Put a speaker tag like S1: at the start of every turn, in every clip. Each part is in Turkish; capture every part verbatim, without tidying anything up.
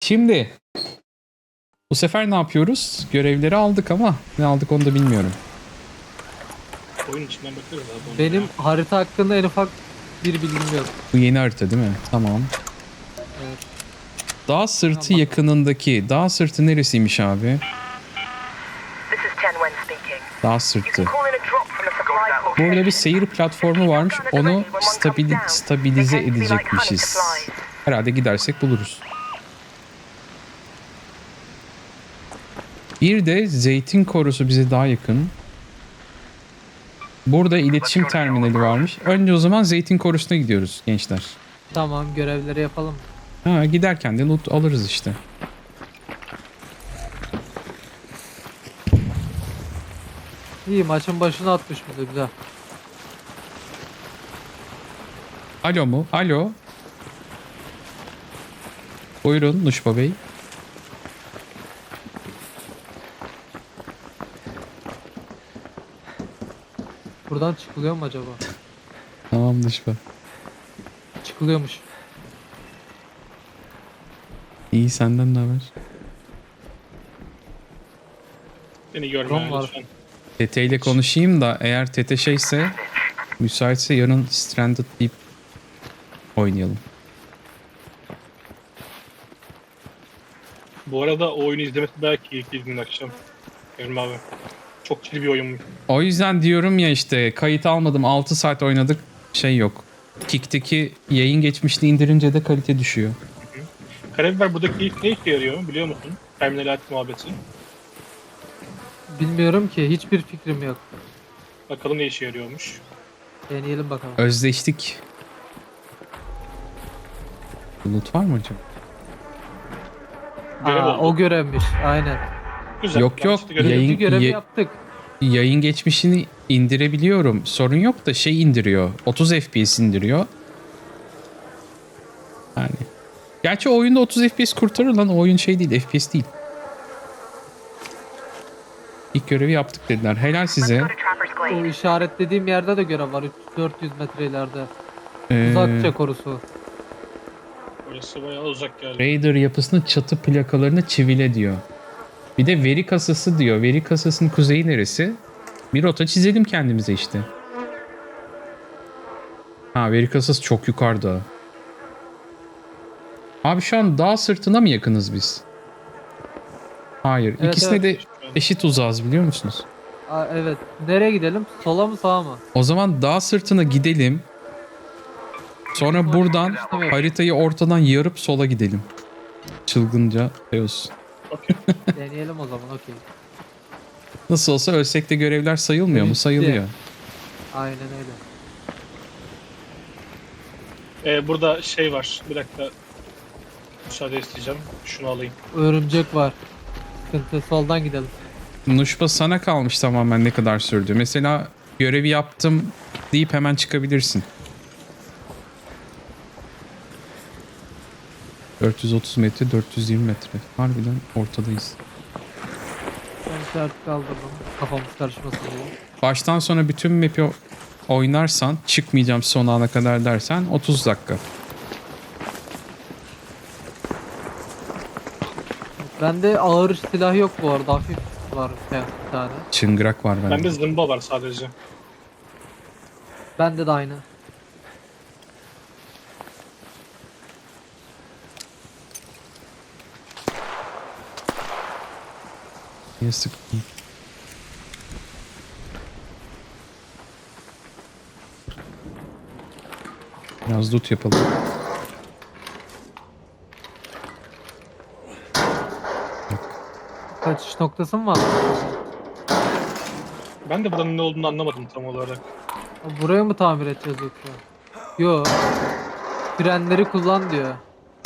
S1: Şimdi bu sefer ne yapıyoruz? Görevleri aldık ama ne aldık onu da bilmiyorum.
S2: Oyun içinden bakarız abi.
S3: Benim harita hakkında en ufak bir bilgim yok.
S1: Bu yeni harita değil mi? Tamam.
S3: Evet.
S1: Dağ sırtı
S3: Tamam.
S1: yakınındaki. Dağ sırtı neresiymiş abi?
S4: This is Tenwen speaking.
S1: Dağ
S4: You
S1: sırtı.
S4: can call in a drop from the supply location.
S1: Burada bir seyir platformu varmış. Onu stabili stabilize edecekmişiz. Herhalde gidersek buluruz. Bir de zeytin korusu bize daha yakın. Burada iletişim terminali varmış. Önce o zaman zeytin korusuna gidiyoruz gençler.
S3: Tamam, görevleri yapalım.
S1: Ha, giderken de loot alırız işte.
S3: İyi, maçın başına atmış bize, güzel.
S1: Alo mu? Alo. Buyurun Nuşba Bey.
S3: Buradan çıkılıyor mu acaba?
S1: Tamam Nuşba.
S3: Çıkılıyormuş.
S1: İyi, senden ne haber?
S2: Beni
S3: Rom
S2: görmeye
S3: var.
S2: lütfen.
S1: Tete ile konuşayım da eğer Tete şeyse, müsaitse yarın Stranded Deep oynayalım.
S2: Bu arada o oyunu izlemesi daha keyifli dün akşam. Görüm abi. Çok çil bir oyunmuş.
S1: O yüzden diyorum ya, işte kayıt almadım, altı saat oynadık, şey yok. Kick'teki yayın geçmişliği indirince de kalite düşüyor.
S2: Karabiber buradaki keyif ne işe yarıyor biliyor musun? Terminalat muhabbeti.
S3: Bilmiyorum ki, hiçbir fikrim yok.
S2: Bakalım ne işe yarıyormuş.
S3: Deneyelim bakalım.
S1: Özleştik. Loot var mı acaba?
S2: Görev
S3: Aa,
S2: oldu.
S3: o görevmiş, aynen.
S2: Güzel.
S1: Yok,
S2: Ben
S1: yok.
S2: işte görev-
S1: Yayın-
S3: Birinci görevi
S1: ye-
S3: yaptık.
S1: Yayın geçmişini indirebiliyorum. Sorun yok da şey indiriyor. otuz F P S indiriyor. Yani. Gerçi o oyunda otuz F P S kurtarır lan. O oyun şey değil. F P S değil. İlk görevi yaptık dediler. Helal
S4: Let's
S1: size.
S4: go to Trapper's
S3: O
S4: Glade.
S3: işaretlediğim yerde de görev var, üç yüz dört yüz metre ileride.
S1: Ee,
S3: Uzakça korusu.
S2: Orası bayağı uzak geldi.
S1: Raider yapısının çatı plakalarını çivile diyor. Bir de veri kasası diyor. Veri kasasının kuzeyi neresi? Bir rota çizelim kendimize işte. Ha, veri kasası çok yukarıda. Abi şu an dağ sırtına mı yakınız biz? Hayır.
S3: Evet,
S1: İkisine
S3: evet.
S1: de eşit uzağız, biliyor musunuz?
S3: Aa, evet. Nereye gidelim? Sola mı, sağa mı?
S1: O zaman dağ sırtına gidelim. Sonra buradan haritayı ortadan yarıp sola gidelim. Çılgınca şey olsun.
S3: Deneyelim o zaman, okey.
S1: Nasıl olsa ölsek de görevler sayılmıyor mu?
S3: Bitti.
S1: Sayılıyor.
S3: Aynen öyle.
S2: Ee, burada şey var. Bir dakika. Müsaade isteyeceğim. Şunu alayım.
S3: Örümcek var. Sıkıntı, soldan gidelim.
S1: Nuşba sana kalmış tamamen ne kadar sürdü. Mesela görevi yaptım deyip hemen çıkabilirsin. dört yüz otuz metre, dört yüz yirmi metre. Harbiden ortadayız.
S3: Ben işaret kaldırdım. Kafamız karışmasın diye.
S1: Baştan sona bütün map'i o- oynarsan, çıkmayacağım son ana kadar dersen otuz dakika.
S3: Bende ağır silah yok bu arada. Hafif var bir tane.
S1: Çıngırak var bende.
S2: Bende zımba var sadece.
S3: Bende de aynı.
S1: Niye sıktın? Biraz loot yapalım.
S3: Kaçış noktası mı var?
S2: Ben de buranın ne olduğunu anlamadım tam olarak.
S3: Buraya mı tamir edeceğiz yoksa? Yo. Frenleri kullan diyor.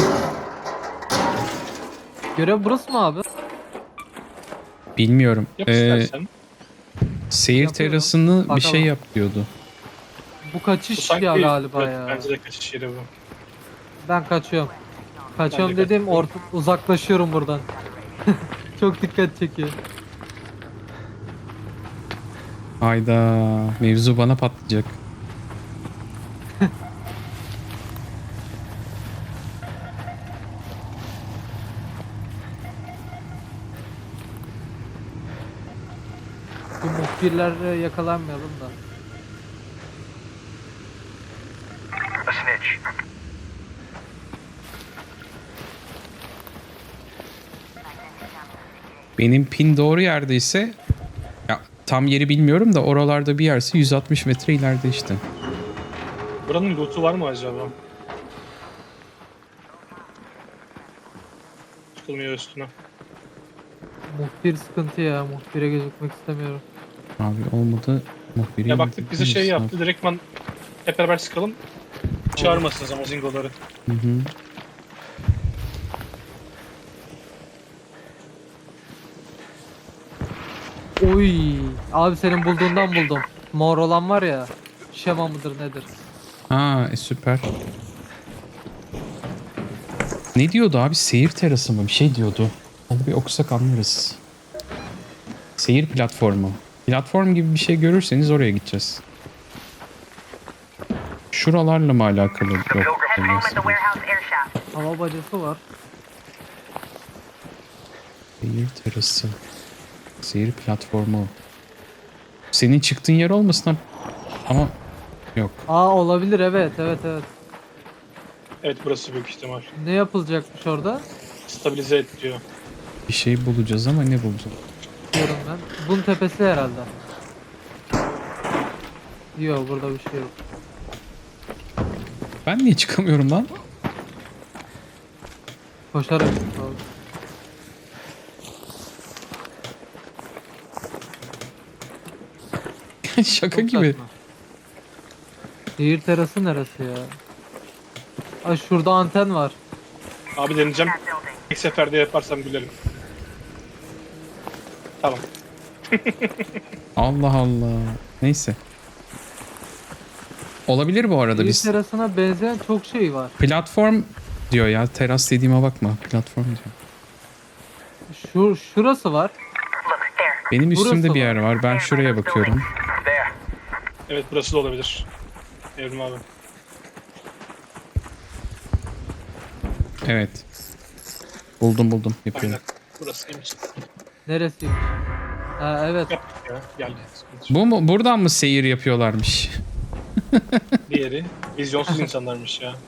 S3: Görev burası mı abi?
S1: Bilmiyorum.
S2: Yap
S1: Ee,
S2: istersen.
S1: seyir
S3: Yapıyorum.
S1: terasını bir
S3: Bakalım.
S1: şey yap diyordu.
S3: Bu
S2: Bu
S3: kaçış
S2: sanki
S3: ya galiba
S2: evet,
S3: ya.
S2: bence de kaçış yeri bu.
S3: Ben kaçıyorum. Kaçıyorum
S2: Ben de
S3: dedim,
S2: kaçıyorum.
S3: orta uzaklaşıyorum buradan. Çok dikkat çekiyor.
S1: Hayda, mevzu bana patlayacak.
S3: Bu muhbirlere yakalanmayalım da.
S5: A snitch.
S1: Benim pin doğru yerdeyse ya tam yeri bilmiyorum da oralarda bir yerse yüz altmış metre ileride işte.
S2: Buranın loot'u var mı acaba? Çıkılmıyor üstüne.
S3: Muhbir sıkıntı ya. Muhbire gözükmek istemiyorum.
S1: Abi olmadı. Muhbiri
S2: Ya baktık bize şey
S1: indiririz.
S2: yaptı. Direktman hep beraber sıkalım. Çağırmasınız ama zingoları.
S1: Hı hı.
S3: Oy. Abi senin bulduğundan buldum. Mor olan var ya. Şema mıdır nedir?
S1: Ha e, süper. Ne diyordu abi? Seyir terası mı? Bir şey diyordu. Onu bir okusak anlarız. Seyir platformu. Platform gibi bir şey görürseniz oraya gideceğiz. Şuralarla mı alakalı? Yok.
S4: Head home at the
S1: olmaz.
S4: warehouse air shaft.
S3: Hava bacası var.
S1: Seyir terası. Seyir platformu. Senin çıktığın yer olmasın ama yok.
S3: Aa olabilir, evet evet evet.
S2: Evet burası büyük ihtimal.
S3: Ne yapılacakmış orada?
S2: Stabilize et diyor.
S1: Bir şey bulacağız ama ne bulacağız?
S3: Diyorum ben. Bunun tepesi herhalde. Yok burada bir şey yok.
S1: Ben niye çıkamıyorum lan?
S3: Koşarak gittim abi.
S1: Şaka
S3: Çok
S1: gibi.
S3: saçma. Şehir terası neresi ya? Ay şurada anten var.
S2: Abi deneyeceğim.
S4: That building.
S2: İlk seferde yaparsam gülerim. Tamam.
S1: Allah Allah. Neyse. Olabilir bu arada
S3: Şehir
S1: biz.
S3: terasına benzeyen çok şey var.
S1: Platform diyor ya. Teras dediğime bakma. Platform diyor.
S3: Şu şurası var.
S4: Look, there.
S1: Benim
S3: Burası
S1: üstümde bir
S3: var.
S1: yer var. Ben şuraya bakıyorum.
S5: There.
S2: Evet burası da olabilir. Evrim abi.
S1: Evet. Buldum buldum.
S2: Aynen.
S1: Yapıyorum.
S2: Burasıymış.
S3: Neresiymiş? Ha evet.
S2: Yaptık ya. Geldi. Sıkıntı yok.
S1: Bu mu? Buradan mı seyir yapıyorlarmış?
S2: Diğeri vizyonsuz insanlarmış ya.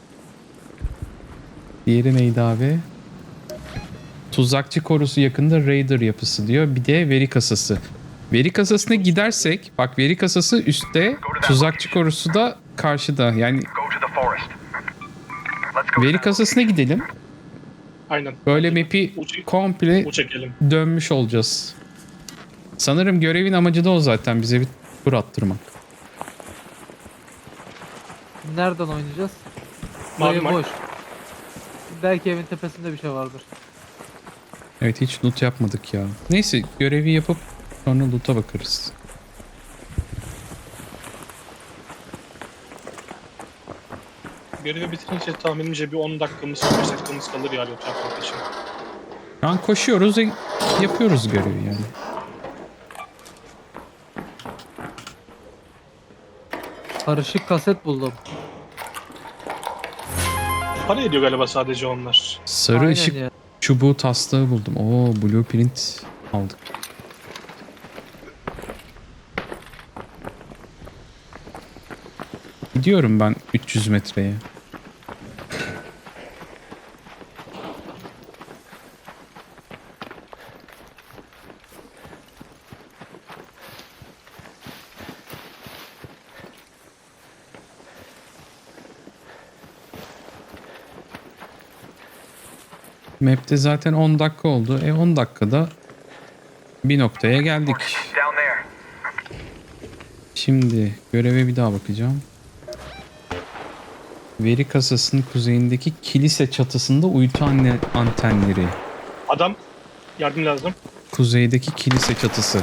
S1: Diğeri neydi abi? Tuzakçı korusu yakında Raider yapısı diyor. Bir de veri kasası. Veri kasasına gidersek, bak veri kasası üstte, tuzakçı korusu da karşıda. Yani
S5: Go to the forest. Let's go.
S1: veri kasasına gidelim.
S2: Aynen.
S1: Böyle map'i komple
S2: Bu çekelim.
S1: dönmüş olacağız. Sanırım görevin amacı da o zaten. Bize bir tur attırmak.
S3: Nereden oynayacağız?
S2: Mavi
S3: Burayı
S2: mark.
S3: boş. Belki evin tepesinde bir şey vardır.
S1: Evet hiç loot yapmadık ya. Neyse görevi yapıp sonra loot'a bakarız.
S2: Görevi bitirince tahminimce bir on dakikamız, on beş dakikamız kalır ya loot yapmak için.
S1: Şu an koşuyoruz ve yapıyoruz görevi yani.
S3: Karışık kaset buldum.
S2: Para ediyor galiba sadece onlar.
S1: Sarı
S3: Aynen
S1: ışık
S3: ya.
S1: çubuğu taslağı buldum. Oo blueprint aldık. Gidiyorum ben üç yüz metreye. Map'te zaten on dakika oldu. E on dakikada bir noktaya geldik.
S5: Down there.
S1: Şimdi göreve bir daha bakacağım. Veri kasasının kuzeyindeki kilise çatısında uydu anne antenleri.
S2: Adam yardım lazım.
S1: Kuzeydeki kilise çatısı.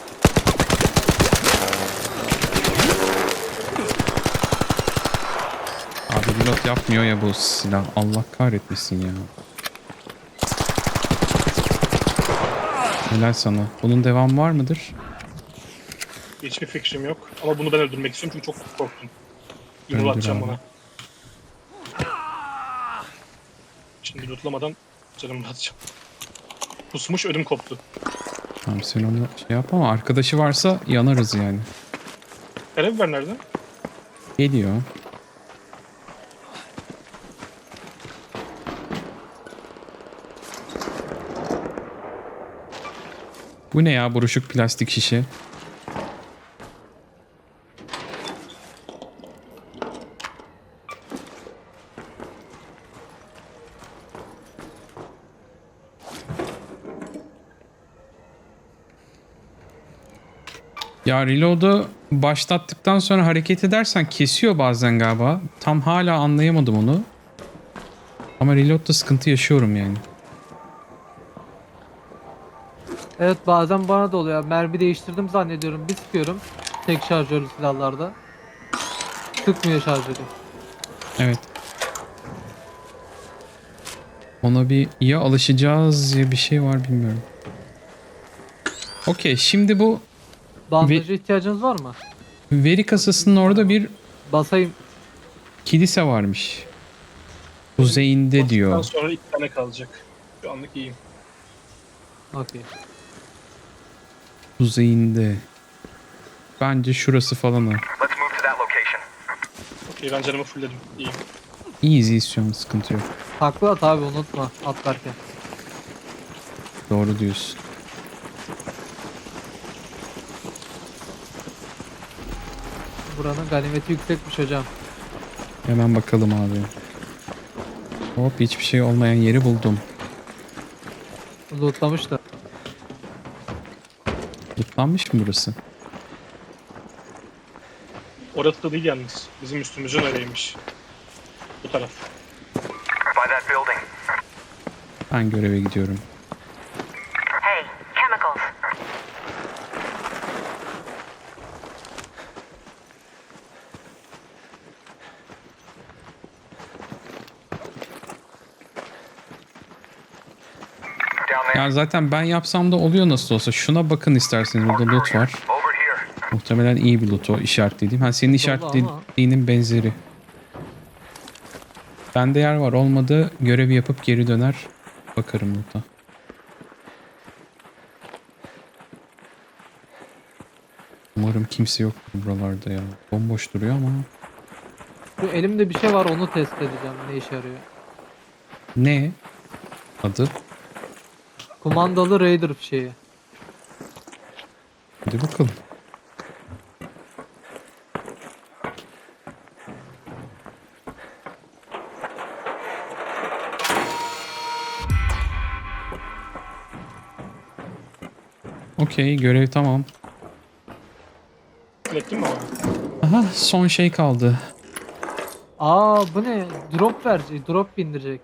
S1: Abi reload yapmıyor ya bu silah. Allah kahretmesin ya. Helal sana. Bunun devamı var mıdır?
S2: Hiçbir fikrim yok. Ama bunu ben öldürmek istiyorum çünkü çok korktum.
S1: Öldür
S2: Yumruk atacağım
S1: abi.
S2: buna. Şimdi lootlamadan canımı atacağım. Pusmuş ödüm koptu.
S1: Tamam sen onu şey yap ama arkadaşı varsa yanarız yani.
S2: Karabiber nerede?
S1: Geliyor. Bu ne ya, buruşuk plastik şişe? Ya reload'u başlattıktan sonra hareket edersen kesiyor bazen galiba. Tam hala anlayamadım onu. Ama reload'da sıkıntı yaşıyorum yani.
S3: Evet bazen bana da oluyor. Mermi değiştirdim zannediyorum. Bir sıkıyorum. Tek şarjörlü silahlarda. Sıkmıyor şarjörü.
S1: Evet. Ona bir ya alışacağız ya bir şey var bilmiyorum. Okey, şimdi bu
S3: Bandaja ihtiyacınız var mı?
S1: veri kasasının orada bir
S3: Basayım.
S1: kilise varmış. Kuzeyinde
S2: Bastıktan
S1: diyor.
S2: sonra iki tane kalacak. Şu anlık iyiyim.
S3: Okey.
S1: Kuzeyinde. Bence şurası falan o.
S5: Let's move to that location.
S2: Okey, ben canımı fullledim. İyiyim.
S1: Easy istiyorum, sıkıntı yok.
S3: Takla at abi, unutma atlarken.
S1: Doğru diyorsun.
S3: Buranın ganimeti yüksekmiş hocam.
S1: Hemen bakalım abi. Hop, hiçbir şey olmayan yeri buldum.
S3: Lootlamış da.
S1: Lootlanmış mı burası?
S2: Orası da değil yalnız. Bizim üstümüzün öyleymiş. Bu taraf.
S5: By that building.
S1: Ben göreve gidiyorum.
S4: Hey, chemicals.
S5: Down there.
S1: Ya zaten ben yapsam da oluyor nasıl olsa. Şuna bakın isterseniz, burada loot var.
S5: Over here.
S1: Muhtemelen iyi bir loot o işaretlediğim. Ha, senin işaretlediğinin benzeri. Bende yer var, olmadı görevi yapıp geri döner. Bakarım loot'a. Umarım kimse yok buralarda ya. Bomboş duruyor ama.
S3: Şu elimde bir şey var, onu test edeceğim. Ne işe yarıyor?
S1: Ne? Adı?
S3: Kumandalı Raider fişeği.
S1: Hadi bakalım. Okey, görev tamam.
S2: Hallettin mi abi?
S1: Aha, son şey kaldı.
S3: Aa bu ne? Drop verecek. Drop bindirecek.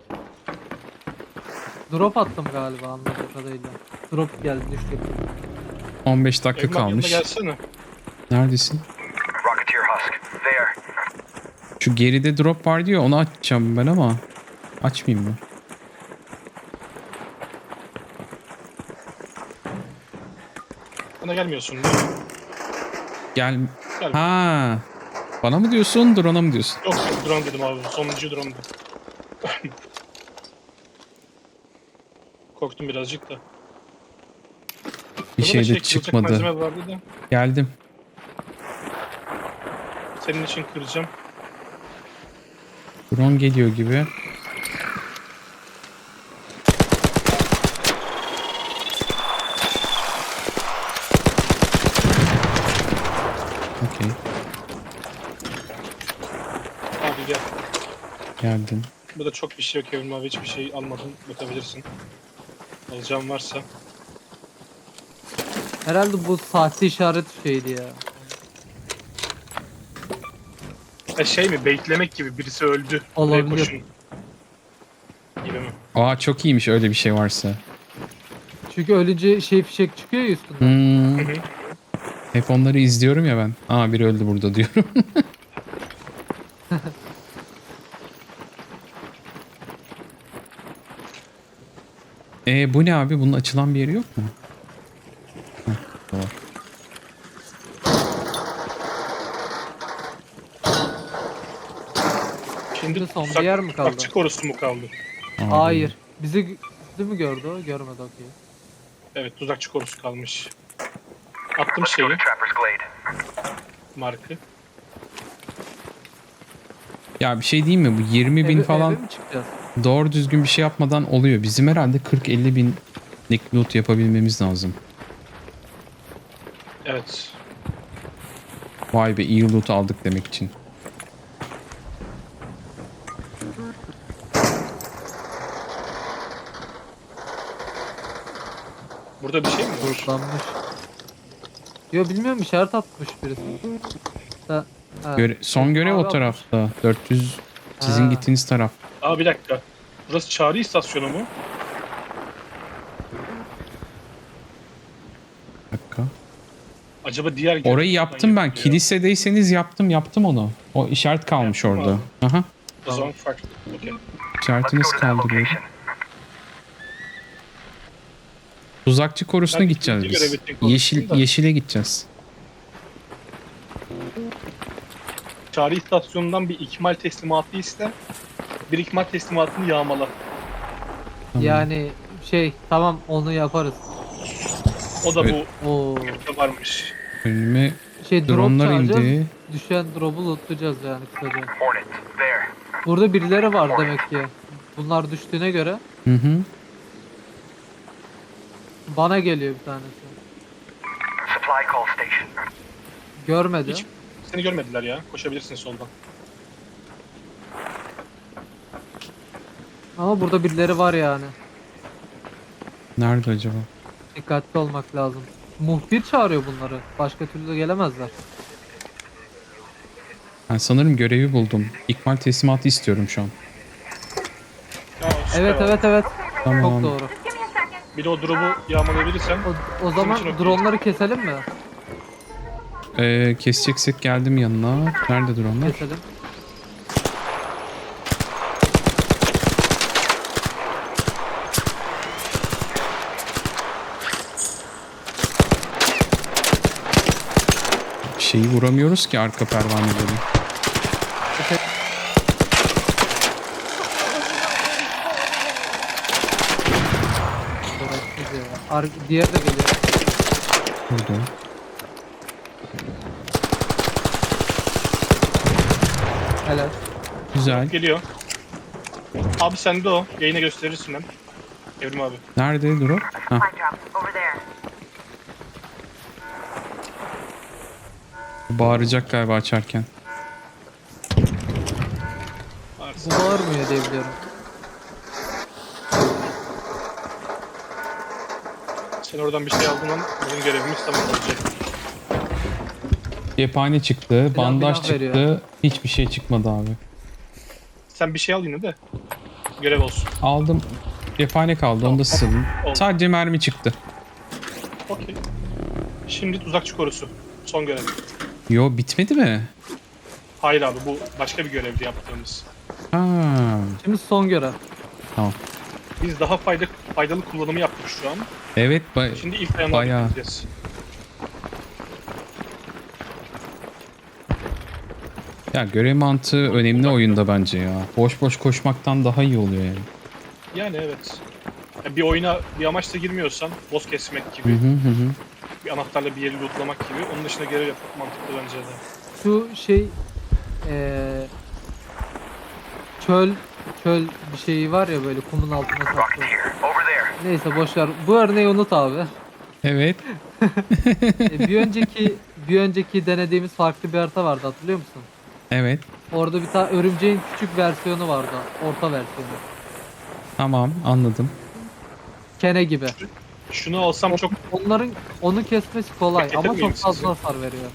S3: Drop attım galiba anladığım kadarıyla. Drop geldi düştü.
S1: on beş dakika
S2: Evin yanına
S1: kalmış.
S2: gelsene.
S1: Neredesin?
S5: Rocketeer husk. There.
S1: Şu geride drop var diyor, onu açacağım ben ama açmayayım mı?
S2: Bana gelmiyorsun değil mi?
S1: Gel.
S2: Gel.
S1: Ha. Bana mı diyorsun, drone'a mı diyorsun?
S2: Yok yok, drone dedim abi. Sonuncu drone dedim. Korktum birazcık da.
S1: Bir
S2: Burada
S1: şey de
S2: kırılacak
S1: çıkmadı.
S2: malzeme vardı da.
S1: Geldim.
S2: Senin için kıracağım.
S1: Drone geliyor gibi. Okey.
S2: Abi gel.
S1: Geldim.
S2: Burada çok bir şey yok Evrim abi. Hiçbir şey almadım. Bakabilirsin. Alacağım varsa.
S3: Herhalde bu sahte işaret fişeğiydi ya.
S2: Ha şey mi? Beklemek gibi. Birisi öldü. Buraya
S3: Olabilir.
S2: koşun gibi mi?
S1: Aa, çok iyiymiş öyle bir şey varsa.
S3: Çünkü ölünce şey fişek çıkıyor ya üstünden.
S1: Hmm.
S2: Hı hı.
S1: Hep onları izliyorum ya ben. Aa, biri öldü burada diyorum. E bu ne abi? Bunun açılan bir yeri yok mu? Heh, var.
S2: Şimdi
S3: Şimdi son bir
S2: tuzak-
S3: yer mi kaldı?
S2: tuzakçı korusu mu kaldı?
S1: Abi.
S3: Hayır. Bizi, bizi mi gördü o? Görmedi okey.
S2: Evet, tuzakçı korusu kalmış. Attım
S5: Let's go
S2: şeyi,
S5: to Trapper's Glade.
S2: markı.
S1: Ya bir şey diyeyim mi? Bu yirmi bin
S3: Eve,
S1: falan
S3: eve mi çıkacağız?
S1: doğru düzgün bir şey yapmadan oluyor. Bizim herhalde kırk elli binlik loot yapabilmemiz lazım.
S2: Evet.
S1: Vay be, iyi loot aldık demek için.
S2: Burada bir şey mi var?
S3: Lootlanmış. Yo bilmiyorum, işaret atmış birisi. Ha, ha.
S1: Göre- son görev
S3: Mavi
S1: o tarafta. dört yüz sizin
S3: Ha.
S1: gittiğiniz taraf.
S2: Aa bir dakika. Burası çağrı istasyonu mu?
S1: Bir dakika.
S2: Acaba diğer görev
S1: Orayı yaptım ben.
S2: yapılıyor?
S1: Kilisedeyseniz yaptım yaptım onu. O işaret kalmış
S2: Yaptın mı
S1: orada. Aha.
S2: O zaman farklı. Okey.
S5: Let's
S1: İşaretiniz
S5: go to that
S1: kaldı böyle.
S5: location.
S1: Tuzakçı korusuna
S2: Ben
S1: gideceğiz
S2: ikinci
S1: biz.
S2: görevi tek konuştum
S1: Yeşil,
S2: da.
S1: yeşile gideceğiz.
S2: Çağrı istasyonundan bir ikmal teslimatı iste. Bir ikmal teslimatını yağmala.
S1: Tamam.
S3: Yani şey tamam, onu yaparız.
S2: O da
S1: Evet.
S2: bu
S3: Oo.
S2: görev varmış.
S1: Önüme
S3: Şey drop
S1: dronlar
S3: çağıracağız.
S1: indi.
S3: Düşen drop'u lootlayacağız yani kısaca.
S5: Hornet, there.
S3: Burada birileri var demek ki. Bunlar düştüğüne göre
S1: Hı hı.
S3: bana geliyor bir tanesi.
S5: Supply call station.
S3: Görmedi.
S2: Hiç seni görmediler ya. Koşabilirsin soldan.
S3: Ama burada birileri var yani.
S1: Nerede acaba?
S3: Dikkatli olmak lazım. Muhbir çağırıyor bunları. Başka türlü gelemezler.
S1: Ben sanırım görevi buldum. İkmal teslimatı istiyorum şu an.
S2: Ya, süper
S3: Evet
S2: oldu.
S3: evet evet.
S1: Tamam.
S3: Çok doğru.
S2: Bir de o drop'u yağmalayabilirsen
S3: O, o zaman
S2: için okey.
S3: dronları keselim mi?
S1: Ee, keseceksek geldim yanına. Nerede dronlar?
S3: Keselim.
S1: Şeyi vuramıyoruz ki, arka pervaneleri.
S3: Gereksiz ya. Ar- diğer de geliyor.
S1: Burada.
S3: Helal.
S1: Güzel.
S2: geliyor. Abi sende o. Yayına gösterirsin hem. Evrim abi.
S1: Nerede drop? Hah.
S4: Supply drop over there.
S1: Bağıracak galiba açarken.
S3: Bu bağırmıyor diye biliyorum.
S2: Sen oradan bir şey aldın lan. Bizim görevimiz tamam olacak.
S1: Cephane çıktı, bandaj
S3: filan
S1: çıktı.
S3: veriyor.
S1: Hiçbir şey çıkmadı abi.
S2: Sen bir şey al yine de. Görev olsun.
S1: Aldım. Cephane kaldı, onu da sildim.
S2: Oldu.
S1: Sadece mermi çıktı.
S2: Okey. Şimdi tuzakçı korusu. Son görev.
S1: Yo, bitmedi mi?
S2: Hayır abi bu başka bir görevdi yaptığımız.
S1: Ha,
S3: Şimdi son görev.
S1: tamam.
S2: Biz daha fayda, faydalı kullanımı yaptık şu an.
S1: Evet, ba-
S2: Şimdi ilk dayanağı
S1: Bayağı.
S2: bitireceğiz.
S1: ya görev mantığı önemli oyunda bence ya. Boş boş koşmaktan daha iyi oluyor yani.
S2: Yani evet. Ya bir oyuna bir amaçla girmiyorsan boss kesmek
S1: Hı
S2: gibi,
S1: hı hı. hı.
S2: bir anahtarla bir yeri lootlamak gibi. Onun dışında görev yapmak mantıklı bence de.
S3: Şu şey eee çöl çöl bir şeyi var ya, böyle kumun altına saklı.
S5: Rocketeer, over there.
S3: Neyse boşver. Bu örneği unut abi.
S1: Evet.
S3: E, bir önceki bir önceki denediğimiz farklı bir harita vardı, hatırlıyor musun?
S1: Evet.
S3: Orada bir tane örümceğin küçük versiyonu vardı. Orta versiyonu.
S1: Tamam, anladım.
S3: Kene gibi.
S2: Şunu alsam çok
S3: Onların onu kesmesi kolay
S2: Paketle
S3: ama
S2: miyim
S3: çok fazla
S2: sizi?
S3: hasar veriyor.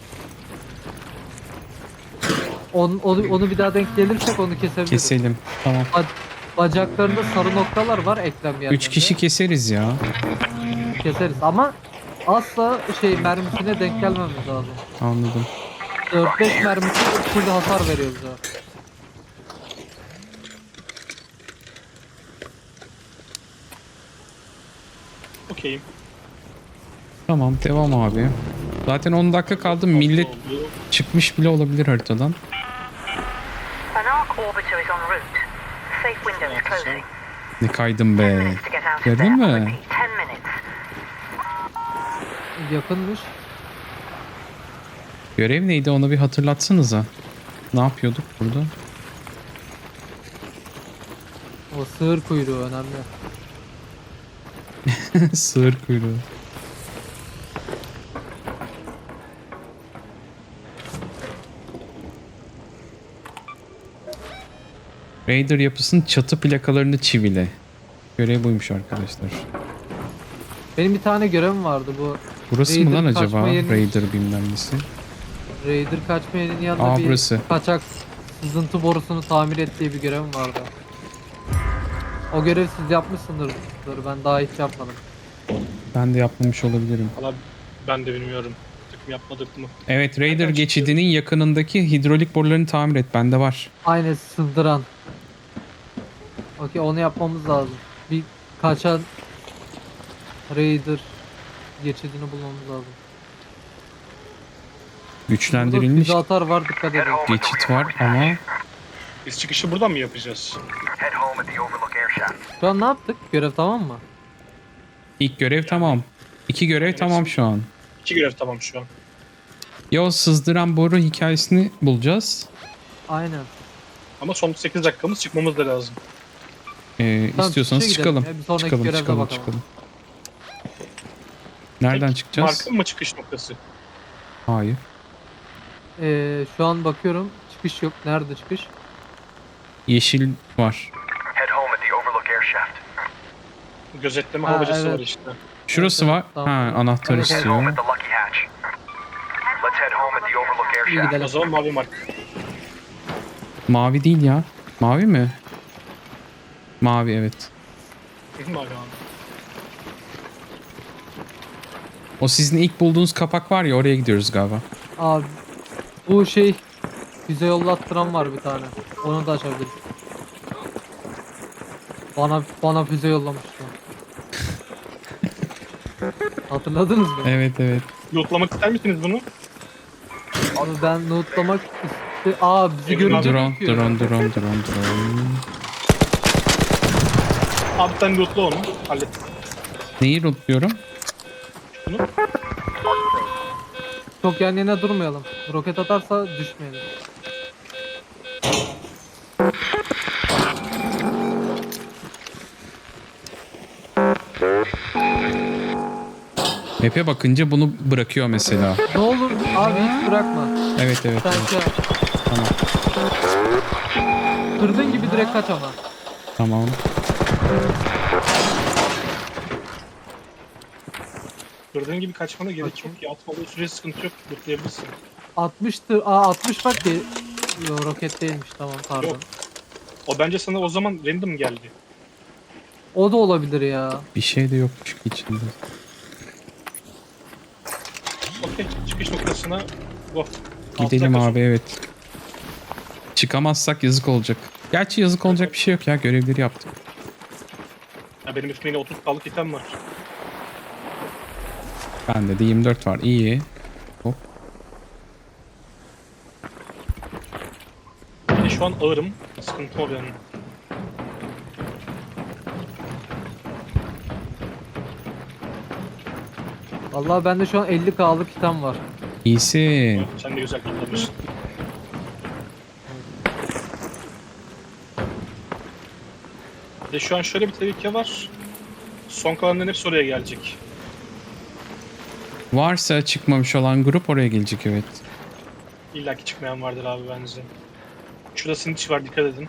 S3: On, onu, onu bir daha denk gelirsek onu kesebiliriz.
S1: Keselim. Tamam.
S3: Ba- bacaklarında sarı noktalar var eklem yerlerinde.
S1: Üç kişi keseriz ya.
S3: keseriz ama asla şey mermisine denk gelmemiz lazım.
S1: Anladım.
S3: dört beş mermisi full hasar veriyor bize.
S2: okeyim.
S1: Tamam, devam abi. Zaten on dakika kaldı. Millet
S2: Oldu.
S1: çıkmış bile olabilir haritadan.
S4: An arc orbiter is en route. Safe window is closing.
S1: Ne kaydım
S4: Ten
S1: be.
S4: minutes to get out of
S1: Gördün
S4: there.
S1: mü?
S4: Repeat, ten minutes.
S3: Yakınmış.
S1: Görev neydi onu bir hatırlatsanıza. Ne yapıyorduk burada?
S3: O sığır kuyruğu önemli.
S1: Sığır kuyruğu. Raider yapısının çatı plakalarını çivile. Görev buymuş arkadaşlar.
S3: Benim bir tane görevim vardı bu.
S1: Burası mı
S3: Raider
S1: lan
S3: kaçma
S1: acaba?
S3: yerini-
S1: Raider bilmem nesi.
S3: Raider kaçma yerinin yanında
S1: Aa,
S3: bir
S1: burası.
S3: kaçak sızıntı borusunu tamir et diye bir görevim vardı. O görev siz yapmışsındır. Ben daha hiç yapmadım.
S1: Ben de yapmamış olabilirim.
S2: Valla ben de bilmiyorum. Takım yapmadık mı?
S1: Evet, Raider
S2: Nereden
S1: geçidinin yakınındaki hidrolik borularını tamir et. Bende var.
S3: Aynı sızdıran. Okey, onu yapmamız lazım. Bir kaçan Raider geçidini bulmamız lazım. Burada
S1: Güçlendirilmiş
S3: füze atar var, dikkat edin.
S1: geçit var ama
S2: Biz çıkışı buradan mı yapacağız?
S5: Head home at the Overlook air shaft.
S3: Şu an ne yaptık? Görev tamam mı?
S1: ilk görev tamam. İki görev
S2: Evet.
S1: tamam şu an.
S2: İki görev tamam şu an.
S1: Ya o sızdıran boru hikayesini bulacağız.
S3: Aynen.
S2: Ama son sekiz dakikamız çıkmamız da lazım.
S1: Ee,
S3: Tamam,
S1: istiyorsanız
S3: çıkışa
S1: çıkalım.
S3: gidelim. Ya, bir sonraki
S1: Çıkalım,
S3: görevde
S1: çıkalım,
S3: bakalım.
S1: çıkalım. Nereden
S2: Tek
S1: çıkacağız?
S2: Markın mı çıkış noktası?
S1: Hayır.
S3: Ee, şu an bakıyorum. Çıkış yok. Nerede çıkış?
S1: Yeşil var.
S5: Head home at the Overlook air shaft.
S2: Gözetleme
S3: Ha,
S2: havacısı
S3: evet.
S2: var işte.
S1: Şurası
S3: Evet,
S1: var.
S3: tamam.
S1: Ha, anahtar
S3: Evet, evet.
S5: Head home
S1: istiyor.
S5: at the Lucky Hatch. Let's head home at the Overlook air
S3: İyi
S5: shaft.
S3: gidelim.
S2: O zaman mavi mark.
S1: Mavi değil ya. Mavi mi? Mavi, evet.
S2: Mavi abi.
S1: O sizin ilk bulduğunuz kapak var ya, oraya gidiyoruz galiba.
S3: Abi bu şey füze yollattıran var bir tane. Onu da açabiliriz. Bana bana füze yollamıştı. Hatırladınız mı?
S1: Evet, evet.
S2: Lootlamak ister misiniz bunu?
S3: Abi ben lootlamak iste... Aa bizi
S2: Emin
S3: görünce
S1: Drone,
S3: bakıyor.
S1: drone, drone, drone, drone.
S2: Abi sen lootla onu. Hallet
S1: Neyi lootluyorum?
S2: bunu.
S3: Çok yan yana durmayalım. Roket atarsa düşmeyelim.
S1: Map'e bakınca bunu bırakıyor mesela.
S3: Ne olur abi hiç bırakma.
S1: Evet, evet,
S3: Sen
S1: evet.
S3: şey yap.
S1: Tamam.
S3: Kırdığın gibi direkt kaç ama.
S1: Tamam.
S2: Gördüğün gibi kaçmana gerek yok ya. Atmadığı sürece sıkıntı yok. Lootlayabilirsin.
S3: altmıştı. Aa altmış bak ki. Yo, roket değilmiş, tamam pardon.
S2: Yok. O bence sana o zaman random geldi.
S3: O da olabilir ya.
S1: Bir şey de yokmuş ki içinde.
S2: Okey. Çıkış noktasına go.
S1: Gidelim
S2: Altına
S1: abi, evet. Çıkamazsak yazık olacak. Gerçi yazık olacak bir şey yok ya. Görevleri yaptık.
S2: kaç. Ya benim üstümde yine otuz kalık item var.
S1: Bende de yirmi dört var. İyi. Hop.
S2: Bir de şu an ağırım. Sıkıntı o benim.
S3: Vallahi bende şu an elli kalık item var.
S1: İyisin.
S2: Sen de güzel kullanmışsın. Bir de şu an şöyle bir tehlike var. Son kalanların hepsi oraya gelecek.
S1: Varsa çıkmamış olan grup oraya gelecek, evet.
S2: İlla ki çıkmayan vardır abi bence. Şurada snitch var, dikkat edin.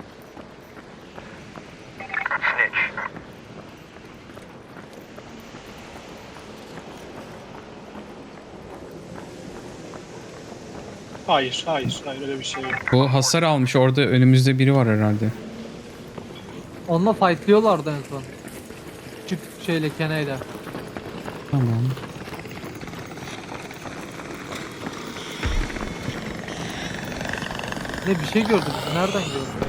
S5: Snitch.
S2: Hayır, hayır, hayır öyle bir şey yok.
S1: Bu hasar almış. Orada önümüzde biri var herhalde.
S3: Onunla fightlıyorlardı en son. Küçük şeyle keneyle.
S1: Tamam.
S3: Ne bir şey gördüm. Nereden gördüm?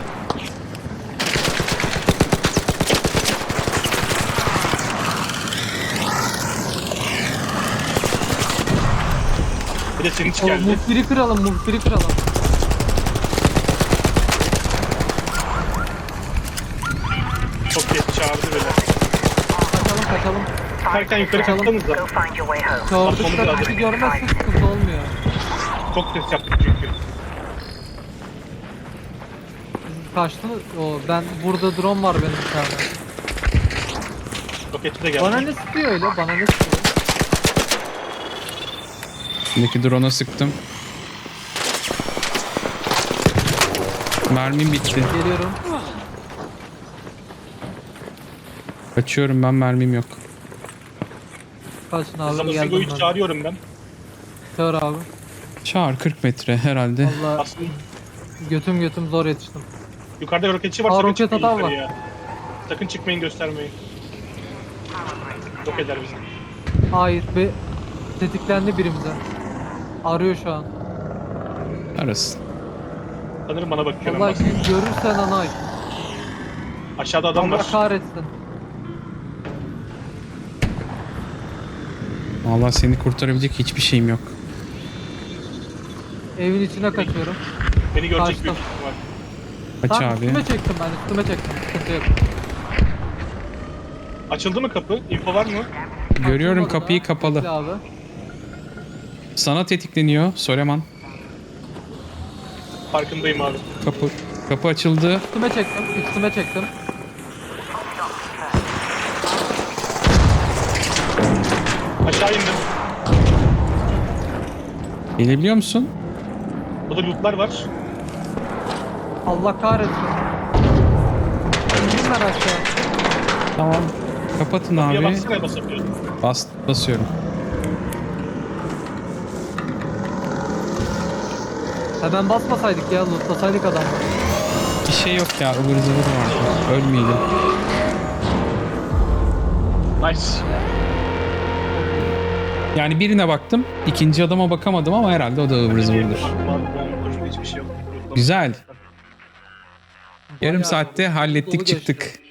S2: Bir de snitch
S3: O
S2: geldi.
S3: muhbiri kıralım, muhbiri kıralım.
S2: Çok geç çağırdı beni.
S3: Kaçalım kaçalım.
S2: Çıkarken yukarı kalksanız da.
S4: Go find your way home.
S3: Çağırdıkça
S2: lazım.
S3: bizi görmezse sıkıntı olmuyor.
S2: Çok ses yaptık çünkü.
S3: Kaçtı o. Ben burada drone var benim bir tane.
S2: Roketçi de geldi.
S3: Bana ne sıkıyor öyle? Bana ne sıkıyor?
S1: Şimdiki drone'a sıktım. Mermim bitti.
S3: Geliyorum.
S1: Kaçıyorum ben, mermim yok.
S3: Kaçın abi
S2: Hızlı
S3: geldim
S2: Singo'yu
S3: ben.
S2: çağırıyorum ben.
S3: Çağır abi.
S1: Çağır, kırk metre herhalde.
S3: Allah
S2: Aslında
S3: götüm götüm zor yetiştim.
S2: yukarıda roketçi var.
S3: Aa,
S2: sakın
S3: roket
S2: çıkmayın
S3: adam var.
S2: yukarıya. Sakın çıkmayın, göstermeyin. Yok eder bizi.
S3: Hayır be. Tetiklendi birimize. Arıyor şu an.
S1: Arasın.
S2: Sanırım bana bakıyor. Ben
S3: Allah
S2: bastım.
S3: görürsen anay.
S2: Aşağıda adam
S3: Allah
S2: var.
S3: kahretsin.
S1: Vallahi seni kurtarabilecek hiçbir şeyim yok.
S3: Evin içine kaçıyorum.
S2: Beni görecek
S3: Kaçtım.
S2: büyük ihtimal.
S1: Kaç
S3: Tamam,
S1: abi.
S3: üstüme çektim ben üstüme çektim. Sıkıntı yok.
S2: Açıldı mı kapı? Info var mı?
S1: Görüyorum
S3: Açılmadı
S1: kapıyı
S3: da.
S1: kapalı.
S3: Bekle abi.
S1: Sana tetikleniyor Soleman.
S2: Farkındayım abi.
S1: Kapı kapı açıldı.
S3: Üstüme çektim. Üstüme çektim.
S2: Aşağı indim.
S1: Gelebiliyor musun?
S2: Burada lootlar var.
S3: Allah kahretsin. İndim ben aşağı.
S1: Tamam. Kapatın
S2: Kapıya
S1: abi.
S2: baksana basabiliyorum.
S1: Bas, basıyorum.
S3: Hemen basmasaydık ya lootlasaydık adamı.
S1: Bir şey yok ya, ıvır zıvır var. Ölmeyelim.
S2: Nice.
S1: Yani birine baktım, ikinci adama bakamadım ama herhalde o da ıvır zıvırdır.
S2: Baktım abi, bomba koştu, hiçbir şey yok.
S1: Güzel. Yarım
S3: Bayağı
S1: saatte hallettik
S3: dolu geçti.
S1: çıktık.